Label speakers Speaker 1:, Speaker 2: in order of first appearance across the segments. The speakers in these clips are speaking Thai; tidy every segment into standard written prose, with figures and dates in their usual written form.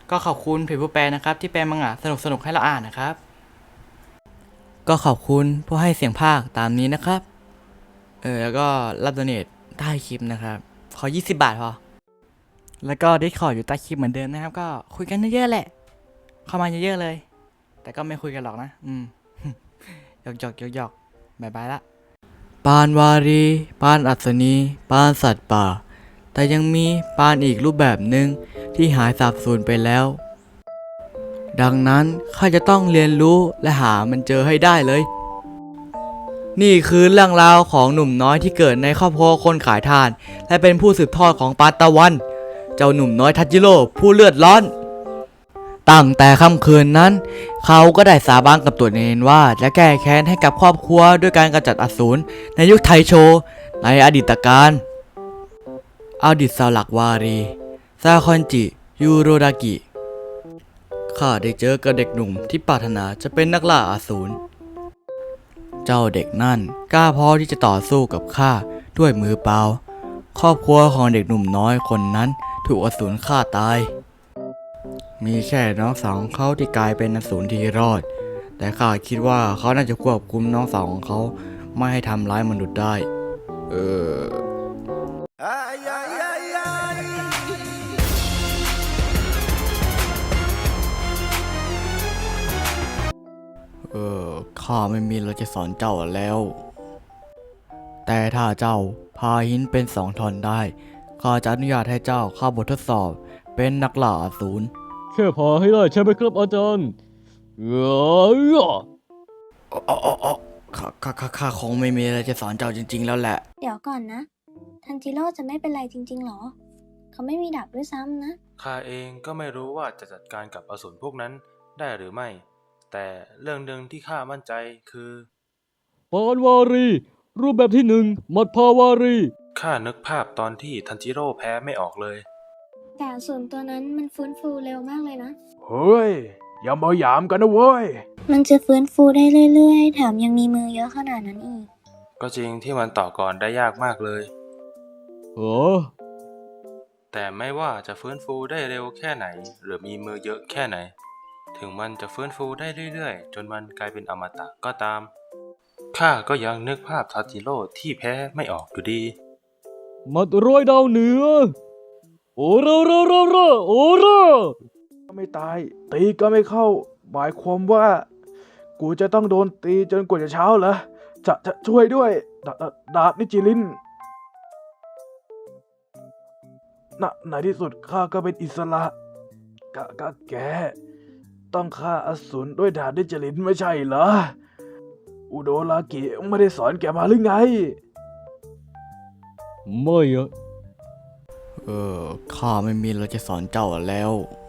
Speaker 1: ก็ขอบคุณเพจผู้แปลนะครับที่แปลมังงะสนุกให้เราอ่านนะครับก็ขอบคุณผู้ให้เสียงภาคตามนี้นะครับแล้วก็รับโดเนทใต้คลิปนะครับขอ20 บาทพอแล้วก็ดิสคอร์ดอยู่ใต้คลิปเหมือนเดิมนะครับก็คุยกันเยอะๆแหละเข้ามาเยอะๆเลยแต่ก็ไม่คุยกันหรอกนะหยอกบายบายละปานวารีปานอัศนีปานสัตว์ป่าแต่ยังมีปานอีกรูปแบบหนึ่งที่หายสาบสูญไปแล้วดังนั้นข้าจะต้องเรียนรู้และหามันเจอให้ได้เลยนี่คือเรื่องราวของหนุ่มน้อยที่เกิดในครอบครัวคนขายทานและเป็นผู้สืบทอดของปานตะวันเจ้าหนุ่มน้อยทัจิโร่ผู้เลือดร้อนตั้งแต่ค่ำคืนนั้นเขาก็ได้สาบานกับตัวเองว่าจะแก้แค้นให้กับครอบครัวด้วยการกำจัดอสูรในยุคไทโชในอดีตการอดีตสาวหลักวารีซาคอนจิยูโรดากิข้าได้เจอกับเด็กหนุ่มที่ปรารถนาจะเป็นนักล่าอสูรเจ้าเด็กนั่นกล้าพอที่จะต่อสู้กับข้าด้วยมือเปล่าครอบครัวของเด็กหนุ่มน้อยคนนั้นถูกอสูรฆ่าตายมีแค่น้องสาวของเขาที่กลายเป็นอสูรที่รอดแต่ข้าคิดว่าเขาน่าจะควบคุมน้องสาวของเขาไม่ให้ทำร้ายมนุษย์ได้เอข้าไม่มีอะไรจะสอนเจ้าแล้วแต่ถ้าเจ้าพาหินเป็น2 ท่อนได้ข้าจะอนุญาตให้เจ้าเข้าบททดสอบเป็นนักล่าอสูร
Speaker 2: แค่พาให้ได้ใช่ไหมครับอาจารย์
Speaker 1: ข้าคงไม่มีอะไรจะสอนเจ้าจริงๆแล้วแหละ
Speaker 3: เดี๋ยวก่อนนะ ทันจิโร่จะไม่เป็นไรจริงๆหรอ เขาไม่มีดาบด้วยซ้ำนะ
Speaker 4: ข้าเองก็ไม่รู้ว่าจะจัดการกับอสูรพวกนั้นได้หรือไม่ แต่เรื่องหนึ่งที่ข้ามั่นใจคือ
Speaker 2: ปานวารี รูปแบบที่1มัดพาวารี
Speaker 4: ข้านึกภาพตอนที่ทันจิโร่แพ้ไม่ออกเลย
Speaker 3: แต่อสูรตัวนั้นมันฟื้นฟูเร็วมากเลยนะ
Speaker 5: เฮ้ย อย่ามาหยามกันนะเว้ย
Speaker 3: มันจะฟื้นฟูได้เรื่อยๆ แถมยังมีมือเยอะขนาดนั้นอีก
Speaker 4: ก็จริงที่มันต่อกรได้ยากมากเลย
Speaker 2: เออ
Speaker 4: แต่ไม่ว่าจะฟื้นฟูได้เร็วแค่ไหน หรือมีมือเยอะแค่ไหน ถึงมันจะฟื้นฟูได้เรื่อยๆจนมันกลายเป็นอมตะก็ตามข้าก็ยังนึกภาพทันจิโร่ที่แพ้ไม่ออกอยู่ดี
Speaker 2: มัดร้อยดาวเหนือ โอราโอรา
Speaker 5: ก็ไม่ตาย ตีก็ไม่เข้า หมายความว่า กูจะต้องโดนตีจนกว่าจะเช้าเหรอ จะช่วยด้วย ดาบนิจิลินในที่สุดข้าก็เป็นอิสระก็แก ต้องฆ่าอสูรด้วยดาบนิจิลินไม่ใช่เหรอ อุโดรากิไม่ได้สอนแกมาหรือไง
Speaker 2: ไม่อะ
Speaker 1: ข้าไม่มีอะไรจะสอนเจ้าแล้ว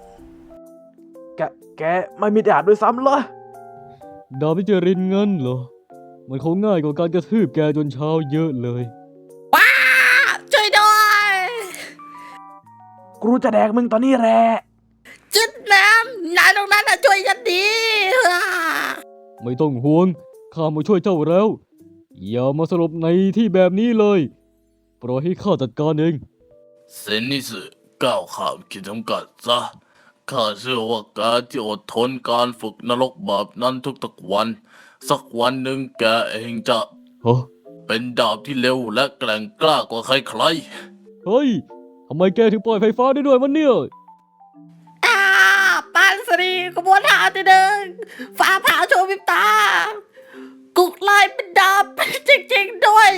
Speaker 5: แกไม่มีดาบด้วยซ้ำเหรอ
Speaker 2: ดาบพิจารินเงินเหรอ มันคงง่ายกว่าการกระทืบแกจนเช้าเยอะเลย
Speaker 6: ช่วยด้วย
Speaker 5: กูจะแดกมึงตอนนี้แหละ
Speaker 6: จิตน้ำนายตรงนั้นน่ะช่วยฉันดี
Speaker 2: ไม่ต้องห่วง ข้ามาช่วยเจ้าแล้ว อย่ามาสลบในที่แบบนี้เลย ปล่อยให้ข้าจัดการเอง
Speaker 7: เซนนิสึก้าวข้ามขีดจำกัดซะ ข้าเชื่อว่าการที่อดทนการฝึกนรกแบบนั้นทุกๆวัน สักวันหนึ่งแกเองจะ
Speaker 2: ฮะ
Speaker 7: เป็นดาบที่เร็วและแกร่งกล้ากว่าใคร
Speaker 2: เฮ้ย ทำไมแกถึงปล่อยไฟฟ้าได้ด้วยมันเนี่ย
Speaker 6: อ่าปานสรีกระบวนท่าที่หนึ่งฟ้าผ่าโชว์วิบตา กุกลายเป็นดาบจริงๆด้วย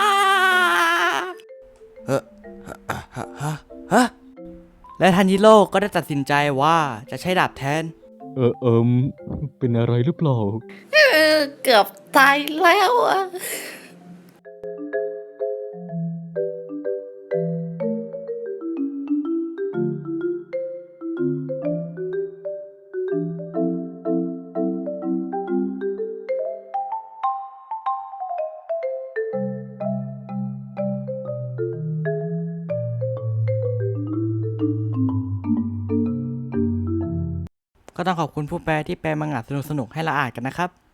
Speaker 1: และทันจิโร่ก็ได้ตัดสินใจว่าจะใช้ดาบแทน
Speaker 2: เป็นอะไรหรือเปล่า
Speaker 6: เกือบตายแล้วอะ
Speaker 1: ก็ต้องขอบคุณผู้แปลที่แปลมังงะสนุกให้เราอ่านกันนะครับ